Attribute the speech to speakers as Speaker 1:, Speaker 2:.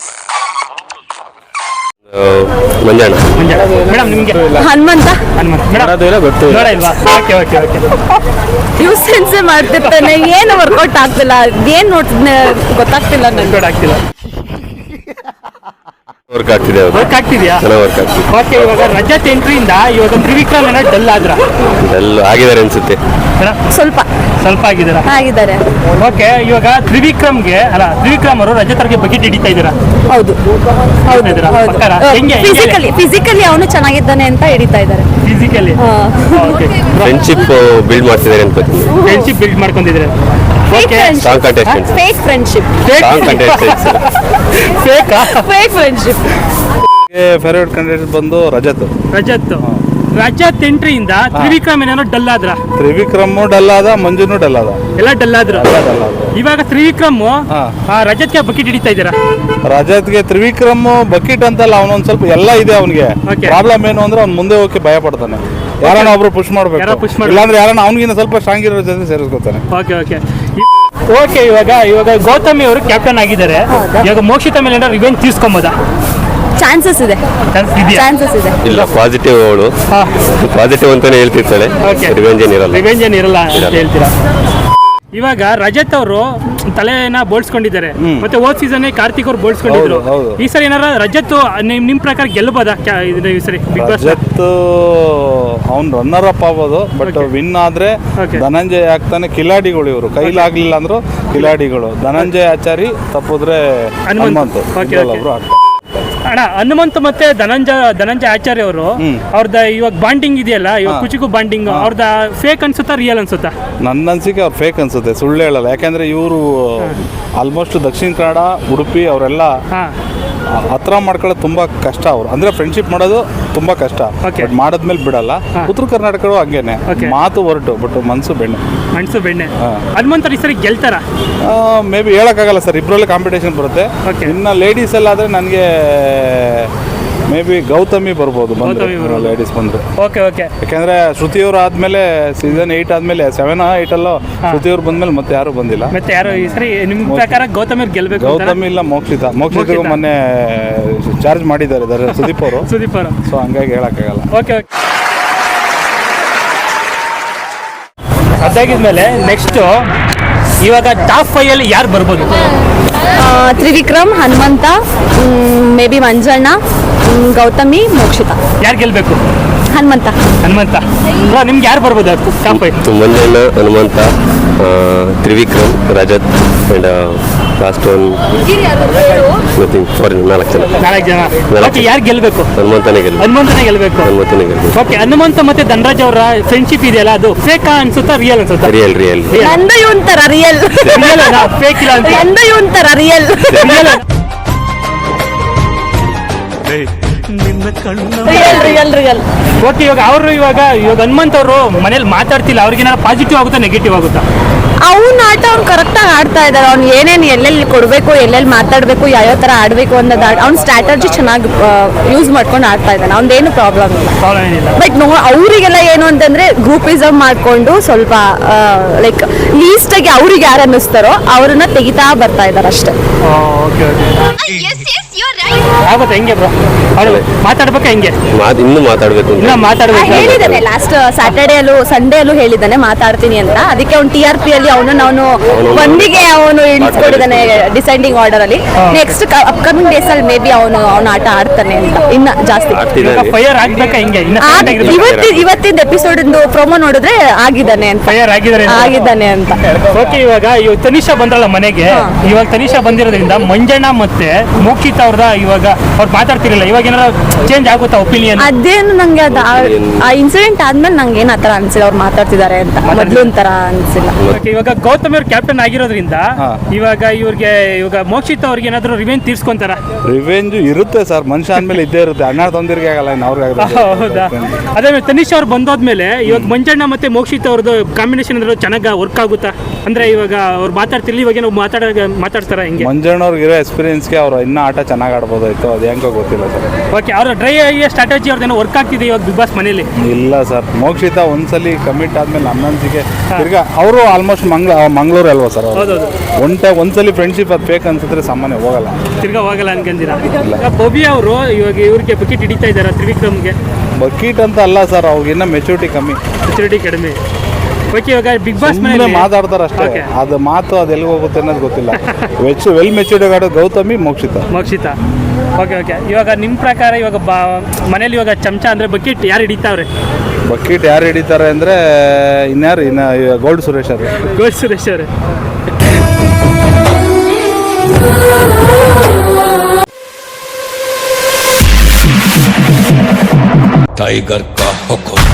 Speaker 1: Manjanna
Speaker 2: madam ನಿಮಗೆ
Speaker 3: ಹನುಮಂತ ಯೂಸೆನ್ಸೇ ಮಾಡ್ತಿರ್ತಾನೆ, ಏನು workout ಆಗ್ತಿಲ್ಲ, ಏನ್ ನೋಡ್ತಿದ್ನೆ ಗೊತ್ತಾಗ್ತಿಲ್ಲ ನನಗೆ.
Speaker 2: ಆಗ್ತಿಲ್ಲ
Speaker 1: ವರ್ಕ್ ಆಗ್ತಿದೆ,
Speaker 2: ವರ್ಕ್ ಆಗ್ತಿದ್ಯಾ?
Speaker 1: ವರ್ಕ್ ಆಗ್ತಿದೆ.
Speaker 2: ಓಕೆ, ಇವಾಗ ರಜತ್ ಎಂಟ್ರಿಯಿಂದ ಇವಾಗ ತ್ರಿವಿಕ್ರಮ್ ಏನೋ ಡಲ್ ಆದ್ರ
Speaker 1: ಎಲ್ಲ ಆಗಿದ್ದಾರೆ ಅನ್ಸುತ್ತೆ.
Speaker 3: ಸ್ವಲ್ಪ ಆಗಿದ್ದಾರೆ.
Speaker 2: ಓಕೆ, ಇವಾಗ ತ್ರಿವಿಕ್ರಮ್ ಅವರು ರಜತ್ ಅವ್ರಿಗೆ ಬಕೆಟ್ ಹಿಡಿತಾ ಇದ್ದೀರಾ?
Speaker 3: ಹೌದು, ಫಿಸಿಕಲಿ ಅವನು ಚೆನ್ನಾಗಿದ್ದಾನೆ ಅಂತ ಹಿಡಿತಾ ಇದ್ದಾರೆ.
Speaker 2: ಫಿಸಿಕಲಿ
Speaker 1: ಫ್ರೆಂಡ್ಶಿಪ್ ಬಿಲ್ಡ್ ಮಾಡ್ತಿದ್ದಾರೆ ಅಂತ.
Speaker 2: ಫ್ರೆಂಡ್ಶಿಪ್ ಬಿಲ್ಡ್ ಮಾಡ್ಕೊಂಡಿದ್ದಾರೆ. Okay,
Speaker 1: song contestant,
Speaker 3: fake friendship,
Speaker 1: song contestant,
Speaker 3: fake friendship.
Speaker 4: Favourite candidate ಬಂದು
Speaker 2: ರಜತ್ ಎಂಟ್ರಿಯಿಂದ ತ್ರಿವಿಕ್ರಮ್ ಏನೇನೋ ಡಲ್ ಆದ್ರ.
Speaker 4: ತ್ರಿವಿಕ್ರಮ್ ಡಲ್ ಆದ, ಮಂಜುನು ಡಲ್ ಆದ,
Speaker 2: ಎಲ್ಲ ಡಲ್ ಆದ್ರು. ಇವಾಗ ತ್ರಿವಿಕ್ರಮ್ ರಜತ್ಗೆ ಬಕೆಟ್ ಹಿಡಿತಾ ಇದ್ದೀರಾ?
Speaker 4: ರಜತ್ಗೆ ತ್ರಿವಿಕ್ರಮ್ ಬಕೆಟ್ ಅಂತಲ್ಲ, ಅವನೊಂದ್ ಸ್ವಲ್ಪ ಎಲ್ಲ ಇದೆ ಅವನಿಗೆ. ಪ್ರಾಬ್ಲಮ್ ಏನು ಅಂದ್ರೆ ಅವ್ನು ಮುಂದೆ ಹೋಗಿ ಭಯ ಪಡ್ತಾನೆ. ಯಾರನ್ನ ಒಬ್ರು ಪುಷ್ ಮಾಡ್ಬೇಕು, ಇಲ್ಲಾಂದ್ರೆ ಯಾರನ್ನ ಅವ್ನಿಗಿನ್ನ ಸ್ವಲ್ಪ ಸ್ಟ್ರಾಂಗ್ ಇರೋ ಜೊತೆ ಸೇರಿಸ್ಕೊತಾನೆ.
Speaker 2: ಓಕೆ, ಇವಾಗ ಗೌತಮಿ ಅವರು ಕ್ಯಾಪ್ಟನ್ ಆಗಿದ್ದಾರೆ. ಇವಾಗ ಮೋಕ್ಷಿತ ಮೇಲೆ ಏನಾದ್ರು ರಿವೆಂಜ್ ತೀರ್ಸ್ಕೊಂಬೋದಾ?
Speaker 3: ಚಾನ್ಸಸ್ ಇದೆ.
Speaker 1: ಇಲ್ಲ, ಪಾಸಿಟಿವ್ ಅವಳು, ಪಾಸಿಟಿವ್ ಅಂತಾನೆ ಹೇಳ್ತಿರ್ತಾಳೆ. ರಿವೆಂಜ್
Speaker 2: ಏನಿರಲ್ಲ ಅಂತ ಹೇಳ್ತೀರಾ? ಇವಾಗ ರಜತ್ ಅವರು ತಲೆನ ಬೋಳ್ಸ್ಕೊಂಡಿದ್ದಾರೆ, ಮತ್ತೆ ಹೋದ್ ಸೀಸನ್ ಕಾರ್ತಿಕ್ ಅವ್ರು ಬೋಳ್ಸ್ಕೊಂಡಿದ್ರು. ಈ ಸರಿ ಏನಾರ ರಜತ್ ನಿಮ್ ಪ್ರಕಾರ ಗೆಲ್ಲಬಹುದಾ ಈ ಸರಿ ಬಿಗ್ ಬಾಸ್?
Speaker 4: ರಜತ್ ಅವ್ನು ರನ್ನರ್ ಅಪ್ ಆಗ್ಬೋದು, ಬಟ್ ವಿನ್ ಆದ್ರೆ ಧನಂಜಯ ಆಗ್ತಾನೆ. ಕಿಲಾಡಿಗಳು ಇವರು, ಕೈಲಾಗ್ಲಿಲ್ಲ ಅಂದ್ರು ಕಿಲಾಡಿಗಳು. ಧನಂಜಯ ಆಚಾರಿ ತಪ್ಪಿದ್ರೆ ಹನುಮಂತ.
Speaker 2: ಅಣ್ಣ, ಹನುಮಂತ್ ಮತ್ತೆ ಧನಂಜಯ ಆಚಾರ್ಯ ಅವರು ಅವ್ರದ ಇವಾಗ ಬಾಂಡಿಂಗ್ ಇದೆಯಲ್ಲ, ಇವಾಗ ಕುಚಿಕು ಬಾಂಡಿಂಗ್ ಅವ್ರದ ಫೇಕ್ ಅನ್ಸುತ್ತಾ ರಿಯಲ್ ಅನ್ಸುತ್ತಾ?
Speaker 4: ನನ್ನ ಅನ್ಸಿಕೆ ಅವ್ರು ಫೇಕ್ ಅನ್ಸುತ್ತೆ, ಸುಳ್ಳು ಹೇಳಲ್ಲ. ಯಾಕಂದ್ರೆ ಇವರು ಆಲ್ಮೋಸ್ಟ್ ದಕ್ಷಿಣ ಕನ್ನಡ, ಉಡುಪಿ ಅವರೆಲ್ಲ ಹತ್ರ ಮಾಡ್ಕೊಳ್ಳೋದು ತುಂಬಾ ಕಷ್ಟ. ಅವ್ರು ಅಂದ್ರೆ ಫ್ರೆಂಡ್ಶಿಪ್ ಮಾಡೋದು ತುಂಬಾ ಕಷ್ಟ, ಬಟ್ ಮಾಡದ್ಮೇಲೆ ಬಿಡಲ್ಲ. ಉತ್ತರ ಕರ್ನಾಟಕರು ಹಂಗೇನೆ, ಮಾತು ಹೊರಟು ಬಟ್ ಮನ್ಸು ಬೆಣ್ಣೆ.
Speaker 2: ಹನುಮಂತ ಈ ಸರಿ ಗೆಲ್ತಾರ?
Speaker 4: ಮೇ ಬಿ ಹೇಳಕ್ಕಾಗಲ್ಲ ಸರ್, ಇಬ್ಬರಲ್ಲಿ ಕಾಂಪಿಟೇಷನ್ ಬರುತ್ತೆ. ಇನ್ನು ಲೇಡೀಸ್ ಎಲ್ಲ ಆದ್ರೆ ನನಗೆ ಮೇ ಬಿ ಗೌತಮಿ ಬರ್ಬೋದು, ಲೇಡೀಸ್ ಬಂದ್ರೆ. ಯಾಕಂದ್ರೆ ಶ್ರುತಿಯವರು ಆದ್ಮೇಲೆ ಸೀಸನ್ 8 ಆದ್ಮೇಲೆ 7, 8 ಅಲ್ಲೋ ಶ್ರುತಿಯವ್ರು ಬಂದ್ಮೇಲೆ ಮತ್ತೆ ಯಾರು ಬಂದಿಲ್ಲ.
Speaker 2: ಮತ್ತೆ ಯಾರು ಈ ಸರಿ ನಿಮ್ ಪ್ರಕಾರ ಗೌತಮಿ ಗೆಲ್ಬೇಕು?
Speaker 4: ಗೌತಮಿ ಇಲ್ಲ, ಮೋಕ್ಷಿತ ಮೊನ್ನೆ ಚಾರ್ಜ್ ಮಾಡಿದ್ದಾರೆ ಸುದೀಪ್ ಅವರು. ಸೊ ಹಂಗಾಗಿ ಹೇಳಕ್ಕಾಗಲ್ಲ.
Speaker 2: ಅದಾಗಿದ್ಮೇಲೆ ನೆಕ್ಸ್ಟ್ ಇವಾಗ ಟಾಪ್ 5 ಅಲ್ಲಿ ಯಾರು ಬರ್ಬೋದು?
Speaker 3: Trivikram, Hanumantha, maybe Manjanna, Gauthami, Mokshitha.
Speaker 2: ಯಾರು ಗೆಲ್ಬೇಕು?
Speaker 3: ಹನುಮಂತ.
Speaker 2: ನಿಮ್ಗೆ ಯಾರು ಬರ್ಬೋದು top 5?
Speaker 1: Manjanna, Hanumantha, Trivikram, Rajat and last one nothing. For 4 ಜನ.
Speaker 2: ಯಾರು ಗೆಲ್ಬೇಕು?
Speaker 1: ಹನುಮಂತನೇ ಗೆಲ್ಬೇಕು.
Speaker 2: ಓಕೆ, ಹನುಮಂತ ಮತ್ತೆ ಧನರಾಜ್ ಅವರ ಫ್ರೆಂಡ್ಶಿಪ್ ಇದೆಯಲ್ಲ, ಅದು ಫೇಕ್ ಅನ್ಸುತ್ತಾ ರಿಯಲ್ ಅನ್ಸುತ್ತಾ?
Speaker 1: ರಿಯಲ್.
Speaker 3: ನಂದು ಒಂಥರ ರಿಯಲ್,
Speaker 2: ಫೇಕ್ ಇಲ್ಲ ಅಂತ.
Speaker 3: ನಂದು ಒಂಥರ ರಿಯಲ್.
Speaker 2: ಓಕೆ, ಇವಾಗ ಹನುಮಂತ್ ಅವರು ಮನೇಲಿ ಮಾತಾಡ್ತಿಲ್ಲ, ಅವ್ರಿಗೇನಾದ್ರು ಪಾಸಿಟಿವ್ ಆಗುತ್ತಾ ನೆಗೆಟಿವ್ ಆಗುತ್ತಾ?
Speaker 3: ಅವ್ನ ಆಟ ಅವ್ನು ಕರೆಕ್ಟಾಗಿ ಆಡ್ತಾ ಇದ್ದಾರೆ. ಅವ್ನು ಏನೇನು ಎಲ್ಲೆಲ್ಲಿ ಕೊಡಬೇಕು, ಎಲ್ಲೆಲ್ಲಿ ಮಾತಾಡಬೇಕು, ಯಾವ ಥರ ಆಡಬೇಕು ಅನ್ನೋದು ಅವ್ನ ಸ್ಟ್ರಾಟಜಿ ಚೆನ್ನಾಗಿ ಯೂಸ್ ಮಾಡ್ಕೊಂಡು ಆಡ್ತಾ ಇದ್ದಾನೆ. ಅವ್ನದೇನು ಪ್ರಾಬ್ಲಮ್ ಇಲ್ಲ. ಬಟ್ ಅವರಿಗೆಲ್ಲ ಏನು ಅಂತಂದ್ರೆ ಗ್ರೂಪಿಸಮ್ ಮಾಡಿಕೊಂಡು ಸ್ವಲ್ಪ ಲೈಕ್ ಲೀಸ್ಟಾಗಿ ಅವ್ರಿಗೆ ಯಾರು ಅನ್ನಿಸ್ತಾರೋ ಅವ್ರನ್ನ ತೆಗಿತಾ ಬರ್ತಾ ಇದ್ದಾರೆ ಅಷ್ಟೇ.
Speaker 2: ಆಗುತ್ತೆ ಹೆಂಗೆ ಬ್ರೋ? ಮಾತಾಡ್ಬೇಕಾ ಹೆಂಗೆ?
Speaker 1: ಇನ್ನೂ ಮಾತಾಡ್ಬೇಕು.
Speaker 3: ಹೇಳಿದ್ದಾನೆ ಲಾಸ್ಟ್ ಸ್ಯಾಟರ್ಡೇಲ್ಲೂ ಸಂಡೇಲ್ಲೂ ಹೇಳಿದ್ದಾನೆ ಮಾತಾಡ್ತೀನಿ ಅಂತ. ಅದಕ್ಕೆ ಅವ್ನು TRP ಅಲ್ಲಿ ಅವನು ಒಂದಿಗೆ ಅವನು ಇಳಿಸ್ಕೊಂಡಿದ್ದಾನೆ ಡಿಸೈಡಿಂಗ್ ಆರ್ಡರ್ ಅಲ್ಲಿ. ನೆಕ್ಸ್ಟ್ ಅಪ್ಕಮಿಂಗ್ ಡೇಸ್ ಅಲ್ಲಿ ಮೇ ಬಿ ಅವನು ಆಟ ಆಡ್ತಾನೆ ಅಂತ ಇನ್ನ ಜಾಸ್ತಿ.
Speaker 2: ಫೈರ್ ಆಗ್ಬೇಕಾ ಹೆಂಗೆ?
Speaker 3: ಇವತ್ತಿನ ಎಪಿಸೋಡ್ ಪ್ರೊಮೋ ನೋಡಿದ್ರೆ ಆಗಿದ್ದಾನೆ ಅಂತ.
Speaker 2: ಓಕೆ, ಇವಾಗ ತನಿಷಾ ಬಂದ್ರಲ್ಲ ಮನೆಗೆ, ಇವಾಗ ತನಿಷಾ ಬಂದಿರೋದ್ರಿಂದ ಮಂಜಣ್ಣ ಮತ್ತೆ ಮೋಕ್ಷಿತ ಅವ್ರದ ಇವಾಗ ಅವ್ರು ಮಾತಾಡ್ತಿರಲಿಲ್ಲ, ಇವಾಗ ಏನಾರ ಚೇಂಜ್ ಆಗುತ್ತಾ ಒಪಿನಿಯನ್?
Speaker 3: ಅದೇನು ನಂಗೆ ಆ ಇನ್ಸಿಡೆಂಟ್ ಆದ್ಮೇಲೆ ನಂಗೆ ಏನ್ ಆತರ ಅನ್ಸಿಲ್ಲ ಅವ್ರು ಮಾತಾಡ್ತಿದ್ದಾರೆ ಅಂತ. ಮೊದ್ಲು ಒಂಥರ ಅನ್ಸಿಲ್ಲ.
Speaker 2: ಇವಾಗ ಗೌತಮ್ ಅವ್ರ ಕ್ಯಾಪ್ಟನ್ ಆಗಿರೋದ್ರಿಂದ ಇವಾಗ ಮೋಕ್ಷಿತ ಅವ್ರಿಗೆ ಏನಾದ್ರು ರಿವೆಂಜ್ ತೀರ್ಸ್ಕೊಂತಾರ?
Speaker 4: ರಿವೆಂಜ್ ಇರುತ್ತೆ ಸರ್, ಮನುಷ್ಯ ಅಂದ್ಮೇಲೆ ಇದ್ದೇ ಇರುತ್ತೆ. ಅಣ್ಣ ತೊಂದಿರಿಗೆ ಆಗಲ್ಲ.
Speaker 2: ಹೌದಾ? ಅದೇ ತನಿಷ್ ಅವ್ರು ಬಂದೋದ್ಮೇಲೆ ಇವಾಗ ಮಂಜಣ್ಣ ಮತ್ತೆ ಮೋಕ್ಷಿತ ಅವ್ರದ್ದು ಕಾಂಬಿನೇಷನ್ ಚೆನ್ನಾಗಿ ವರ್ಕ್ ಆಗುತ್ತಾ? ಅಂದ್ರೆ ಇವಾಗ ಅವ್ರು ಮಾತಾಡ್ತಿರ್ಲಿ ಇವಾಗ ನಾವು ಮಾತಾಡ್ತಾರ ಹಿಂಗೆ
Speaker 4: ಮಂಜಣ್ಣವ್ರಿಗೆ ಇರೋ ಎಕ್ಸ್ಪೀರಿಯನ್ಸ್ಗೆ ಅವ್ರು ಇನ್ನೂ ಆಟ ಚೆನ್ನಾಗಿ ಆಡ್ಬೋದಾಯ್ತು, ಅದು ಹೆಂಗೋ ಗೊತ್ತಿಲ್ಲ ಸರ್.
Speaker 2: ಓಕೆ ಅವ್ರ ಡ್ರೈ ಸ್ಟ್ರಾಟಜಿ ಅವ್ರದ್ದೇನೋ ವರ್ಕ್ ಆಗ್ತಿದೆ ಇವಾಗ ಬಿಗ್ ಬಾಸ್ ಮನೇಲಿ.
Speaker 4: ಇಲ್ಲ ಸರ್, ಮೋಕ್ಷಿತಾ ಒಂದ್ಸಲಿ ಕಮಿಟ್ ಆದ್ಮೇಲೆ ನನ್ನಂತಿಗೆ ತಿರ್ಗಾ ಅವರು ಆಲ್ಮೋಸ್ಟ್ ಮಂಗಳೂರು ಅಲ್ವಾ ಸರ್,
Speaker 2: ಹೌದೌದು
Speaker 4: ಒಂದ್ಸಲಿ ಫ್ರೆಂಡ್ಶಿಪ್ ಅದು ಫೇಕ್ ಅನ್ಸಿದ್ರೆ ಸಾಮಾನ್ಯ ಹೋಗಲ್ಲ,
Speaker 2: ತಿರ್ಗಾ ಹೋಗಲ್ಲ ಅನ್ಕೊಂಡಿರಾ? ಬೊಬಿ ಅವರು ಇವಾಗ ಇವ್ರಿಗೆ ಬಕೆಟ್ ಹಿಡಿತಾ ಇದ್ದಾರೆ ತ್ರಿವಿಕ್ರಮ್ಗೆ.
Speaker 4: ಬಕೀಟ್ ಅಂತ ಅಲ್ಲ ಸರ್, ಅವ್ರಿಗೆ ಇನ್ನೂ ಮೆಚುರಿಟಿ ಕಮ್ಮಿ,
Speaker 2: ಮೆಚುರಿಟಿ ಕಡಿಮೆ. ಓಕೆ ಇವಾಗ ಬಿಗ್ ಬಾಸ್
Speaker 4: ಸುಮ್ಮನೆ
Speaker 2: ಮನೇಲಿ
Speaker 4: ಮಾತಾಡ್ತಾರೆ ಅಷ್ಟೇ,
Speaker 2: Okay.
Speaker 4: ಅದು ಮಾತು ಅದು ಎಲ್ಲಿಗೆ ಹೋಗುತ್ತೆ ಅನ್ನೋದು ಗೊತ್ತಿಲ್ಲ. ವೆಲ್ ಮೆಚೂರ್ಡ್ ಆಡೋ ಗೌತಮಿ,
Speaker 2: ಮೋಕ್ಷಿತಾ. ಓಕೆ ಇವಾಗ ನಿಮ್ಮ ಪ್ರಕಾರ ಇವಾಗ ಮನೇಲಿ ಇವಾಗ ಚಮಚ ಅಂದರೆ ಬಕೆಟ್ ಯಾರು ಹಿಡಿತಾವ್ರೆ?
Speaker 4: ಬಕೀಟ್ ಯಾರು ಹಿಡಿತಾರೆ ಅಂದರೆ ಇನ್ನು ಗೋಲ್ಡ್ ಸುರೇಶ್ ಅವರು.
Speaker 2: ಗೋಲ್ಡ್ ಸುರೇಶ್ ಅವರೇ.
Speaker 5: टाइगर का हुक्म